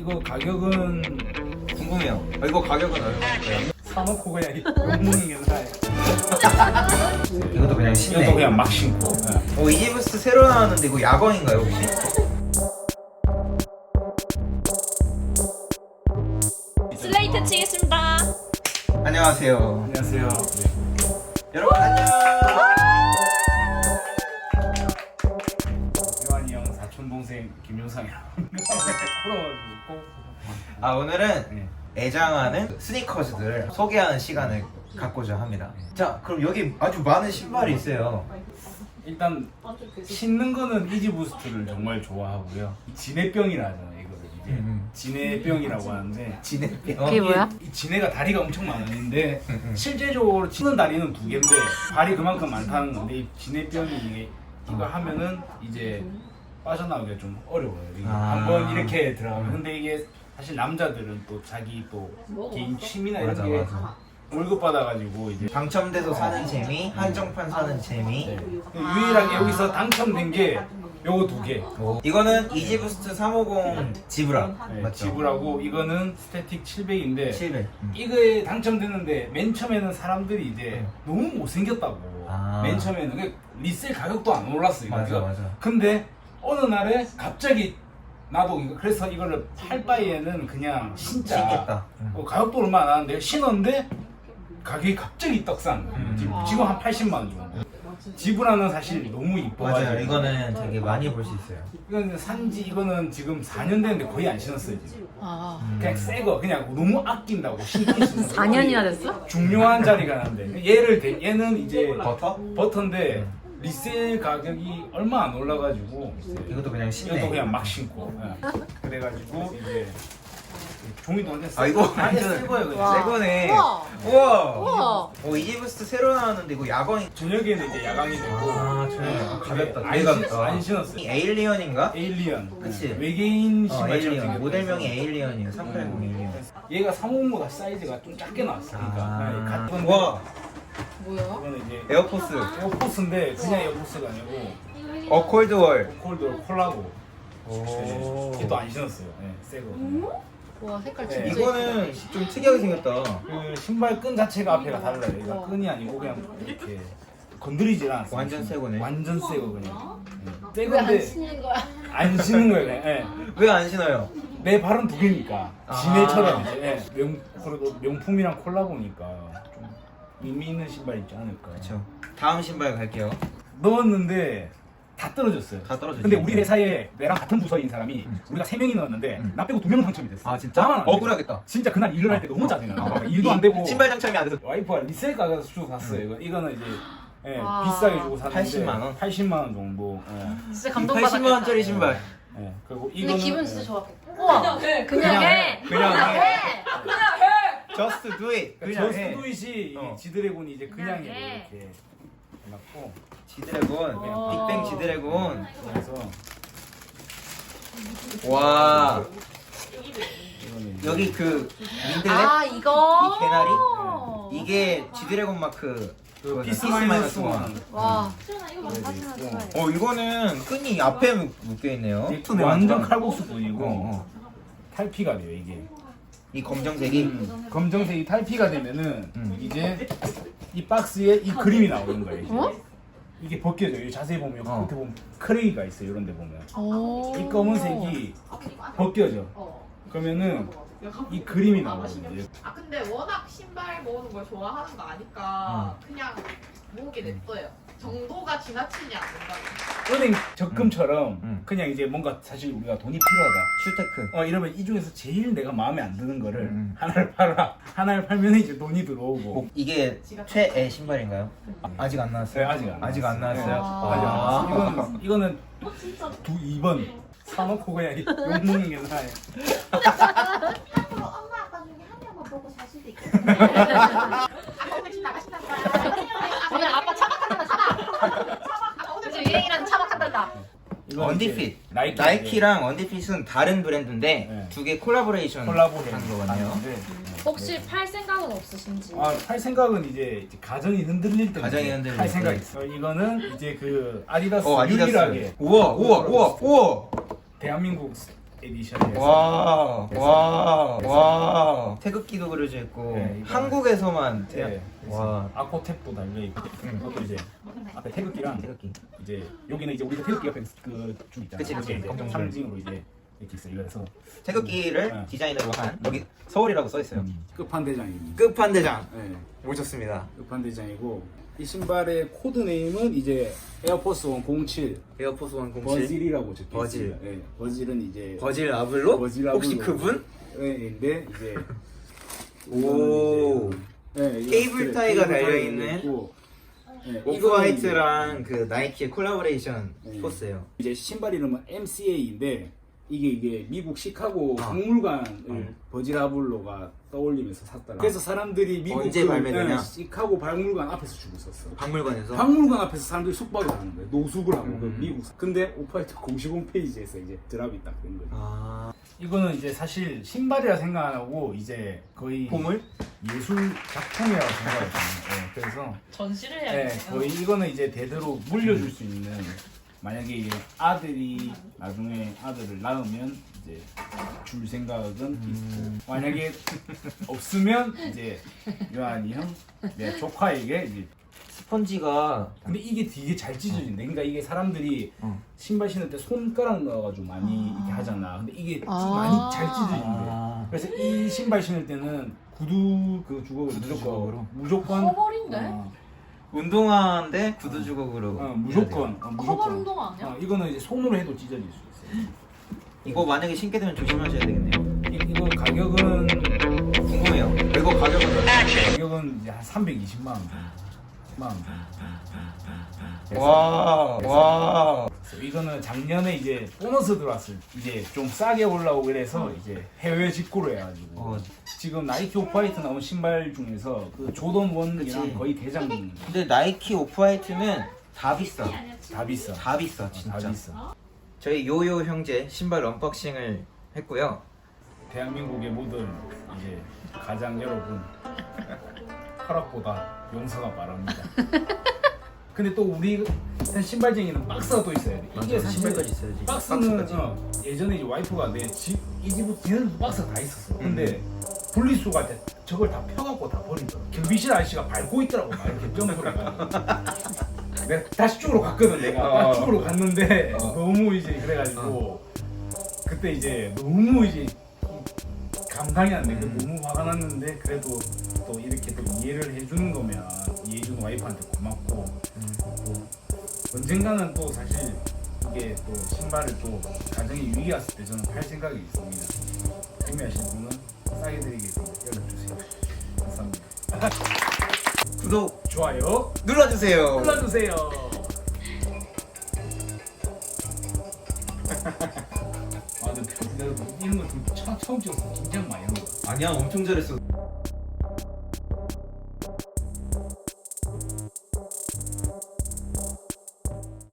이거 가격은 궁금해요. 이거 가격은 얼마일까요? 사놓고 그냥 욕먹는 게 나아요. 이것도 그냥 신네. 이것도 그냥 막 신고. 이지부스트 새로 나왔는데 이거 야광인가요 혹시? 슬레이트 치겠습니다. 안녕하세요. 안녕하세요. 여러분 안녕. 요한이 형 사촌 동생 김효상이라고. 오늘은 네. 애장하는 스니커즈들 소개하는 시간을 갖고자 합니다. 자, 그럼 여기 아주 많은 신발이 있어요. 일단 신는 거는 이지부스트를 정말 좋아하고요. 진해병이라 하잖아요. 이거를 이제 진해병이라고 하는데 진해병. 그게 뭐야? 이 진해가 다리가 엄청 많은데 실제적으로 치는 다리는 2개인데 발이 그만큼 많다는 건데 이 진해병이 이게 이거 하면은 이제 빠져나오기가 좀 어려워요. 이게 한번 이렇게 들어가면. 근데 이게 사실 남자들은 또 자기 또 개인 취미나 이런 맞아, 게 맞아. 월급 받아가지고 이제 당첨돼서 사는 재미, 한정판 사는 재미. 유일하게 여기서 당첨된 게 요거 2개. 이거는 이지부스트 350 지브라 맞죠? 지불하고 이거는 스태틱 700인데 700. 이거에 당첨됐는데 맨 처음에는 사람들이 이제 너무 못생겼다고. 맨 처음에는 그게 리셀 가격도 안 올랐어 이거. 맞아, 맞아. 근데 어느 날에 갑자기 나도 이거 그래서 이거를 팔 바에는 그냥 진짜 신겠다. 가격도 얼마 안 하는데 신었는데 가격이 갑자기 떡상. 지금 한 80만 원 정도. 지브라는 사실 너무 이뻐가지고. 맞아요. 이거는 되게 많이 볼 수 있어요. 이거는 산지 이거는 지금 4년 됐는데 거의 안 신었어요 지금. 아, 그냥 새거 그냥 너무 아낀다고 신기 신는 4년이나 됐어? 중요한 자리가 나는데 얘는 이제 버터? 버터인데 리셀 가격이 얼마 안 올라가지고 이것도 그냥 신네. 이것도 그냥 막 신고. 그래가지고 이제 종이도 완전 이거 아예 완전 새 거예요 그냥. 새 거네. 우와. 우와. 우와. 이지부스트 새로 나왔는데 이거 야광이. 저녁에는 이제 야광이 되고 저녁에 가볍다. 안, 되게 가볍다. 안 신었어요. 에일리언인가? 에일리언. 그치? 외계인 신발처럼 에일리언. 생겼어요. 모델명이 에일리언이에요. 380 에일리언. 얘가 350보다 사이즈가 좀 작게 나왔어. 그러니까 같은 와, 뭐야? 이거는 이제 에어포스. 에어포스인데 그냥 에어포스가 아니고 콜드월. 콜드 콜라보. 오. 얘도 안 신었어요. 네, 새 거. 와, 색깔 네. 진짜 이거는 좀 특이하게 생겼다. 그 신발 끈 자체가 앞에가 달라요. 이거 끈이 아니고 그냥 이렇게 건드리질 않았어요. 완전 새 거네. 완전 새 거 그냥. 새 왜안 건데 신는 거야? 안 신는 거예요. 그냥. 네. 왜 안 신어요? 내 발은 2개니까 진해처럼 이제 그래도 명품이랑 콜라보니까 좀 의미 있는 신발 있지 않을까. 그렇죠. 다음 신발 갈게요. 넣었는데 다 떨어졌어요. 다 떨어졌죠. 근데 우리 회사에 내랑 같은 부서인 사람이 우리가 3명이 넣었는데 나 빼고 2명 당첨이 됐어. 아, 진짜? 나만 안 돼. 억울하겠다. 진짜 그날 일을 할 때 너무 짜증나. 일도 안 되고. 신발 당첨이 안 돼서. 와이프가 리셀 가서 주고 샀어요. 이거는 이제 와. 비싸게 주고 샀는데 80만 원? 80만 원 정도. 진짜 80만 원짜리 신발. 그리고 근데 이거는 기분 진짜 좋았겠다. 우와, 그냥 해. 그냥 해. 그냥 해. Just do it. 그냥 저스트 해. 두잇이 어. 지드래곤이 이제 그냥 그냥 해. 이렇게 해놨고 지드래곤. 어. 빅뱅 지드래곤. 그래서 와. 이거는 이제 여기 그 민들레? 아, 이거. 이 개나리? 이게 지드래곤 마크. 그 그거잖아. 피스 마이너스 원. 와. 이거는 끈이 앞에 묶여 있네요. 완전 칼국수 뿐이고 어. 탈피가 돼요 이게. 이 검정색이. 검정색이 탈피가 되면은 이제 이 박스에 이 그림이 나오는 거예요. 이제. 어? 이게 벗겨져요. 자세히 보면 여기 어. 끝에 보면 크레이가 있어요. 이런 데 보면 오. 이 검은색이 벗겨져. 그러면은 이 그림이 나오거든요. 근데 워낙 신발 모으는 걸 좋아하는 거 아니까 그냥 모으게 냅둬요. 정도가 지나치지 않는다. 은행 적금처럼 음. 그냥 이제 뭔가 사실 우리가 돈이 필요하다. 슈테크. 이러면 이 중에서 제일 내가 마음에 안 드는 거를 음. 하나를 팔아. 하나를 팔면 이제 돈이 들어오고. 이게 최애 신발인가요? 아직 안 나왔어요? 네, 아직 안 아직 안 나왔어요? 나왔어요. 아직 안 나왔어요. 이거는 2번 사놓고 그냥 욕먹는 게 나아요. 앞으로 엄마 아빠 중에 한 명만 보고 살 수도 있겠네. 아빠 오늘 집 나가신다. 오늘 아빠 차박한다, 차박. 요즘 유행이라는 차박한다. 이건 언디핏. 이제 나이키랑 언디핏은 다른 브랜드인데 네. 두 개 콜라보레이션 콜라보레이션 한 거거든요. 하는데, 혹시 팔 생각은 없으신지? 팔 생각은 이제 가정이 흔들릴 때 가정이 흔들릴 팔 생각 때. 있어. 이거는 이제 그 아디다스 아디다스. 유일하게 우와. 대한민국 에디션에서 와. 태극기도 그려져 있고 네, 이거- 한국에서만 네, 와. 아코탭도 달려있고 그것도 이제 앞에 태극기랑 태극기. 이제 여기는 이제 우리가 태극기 옆에 그줄 있잖아. 그치, 그게 이제 검정줄. 상징으로 이제 이렇게 있어요. 그래서 태극기를 네. 디자인으로 한 여기 서울이라고 써 있어요. 끝판대장입니다. 끝판대장 네, 오셨습니다. 끝판대장이고 이 신발의 코드 네임은 이제 에어포스 1 07 에어포스 1 07 버질이라고 적혀 버질. 있습니다. 네, 버질은 이제 버질 아블로? 버질 혹시 아블로. 그분? 네인데 이제 오. 네, 이거 케이블 그래, 타이가 케이블 달려있는 있고, 네, 오프 이거는 화이트랑 그 나이키의 콜라보레이션 네. 포스예요. 이제 신발 이름은 MCA인데 이게 미국 시카고 아. 박물관을 버질아블로가 떠올리면서 샀더라. 그래서 사람들이 미국 언제 발매되냐? 시카고 박물관 앞에서 주고 있었어. 박물관에서. 박물관 앞에서 사람들이 숙박을 하는 거예요. 노숙을 하고 그 음. 미국. 근데 오프화이트 공식 홈페이지에서 이제 드랍이 딱 된 거죠. 아. 이거는 이제 사실 신발이라 생각 안 하고 이제 거의 보물? 예술 작품이라고 생각했거든요. 그래서 전시를 네, 해야겠네요. 거의 이거는 이제 대대로 물려줄 수 있는 만약에 이제 아들이 나중에 아들을 낳으면 이제 줄 생각은 있고 만약에 없으면 이제 요한이 형, 내 조카에게 이제 스펀지가 근데 이게 되게 잘 찢어진대. 그러니까 이게 사람들이 어. 신발 신을 때 손가락 넣어가지고 많이 이렇게 하잖아. 근데 이게 아. 많이 잘 찢어진대. 아. 그래서 이 신발 신을 때는 구두 그 주걱을 구두 주걱으로? 무조건 커버린데? 운동화인데 구두 주걱으로. 무조건 커버 운동화 아니야? 이거는 이제 손으로 해도 찢어질 수 있어요. 이거 만약에 신게 되면 조심하셔야 되겠네요. 이거 가격은 궁금해요. 이거 가격은 얼마예요? 가격은 이제 한 320만 원 정도. 10만 원 정도. 와. 그래서 이거는 작년에 이제 보너스 들어왔을 때 이제 좀 싸게 올라오고 그래서 이제 해외 직구로 해가지고 어. 지금 나이키 오프화이트 나온 신발 중에서 그 조던 1이랑 그치. 거의 대장 근데 나이키 오프화이트는 다 비싸. 다 비싸. 다 비싸 다 진짜. 비싸. 저희 요요 형제 신발 언박싱을 했고요. 대한민국의 모든 이제 가장 여러분 허락보다 용서가 바랍니다. 근데 또 우리 신발쟁이는 박스가 또 있어야 돼. 이게 사실 신발까지 있어야지. 박스는 박스까지. 예전에 이제 와이프가 이 집 뒤에는 박스가 다 있었어. 근데 분리수거할 때 저걸 다 펴갖고 다 버리더라고. 경비실 아저씨가 밟고 있더라고. 막 이렇게 점프해가. 내가 다시 쪽으로 갔거든. 내가 다시 쪽으로 갔는데 너무 이제 그래가지고 그때 이제 너무 이제 감당이 안 돼. 너무 화가 났는데 그래도 또 이렇게 또 이해를 해주는 거면 이해해주는 와이프한테 고맙고 또 언젠가는 또 사실 이게 또 신발을 또 가정에 위기가 왔을 때 저는 팔 생각이 있습니다. 구매하실 분은 싸게 드리겠습니다. 연락주세요. 감사합니다. 구독 좋아요 눌러주세요. 눌러주세요. 아, 근데 내가 이런 거 좀 처음 찍었어. 긴장 많이 한 거야. 아니야 엄청 잘했어.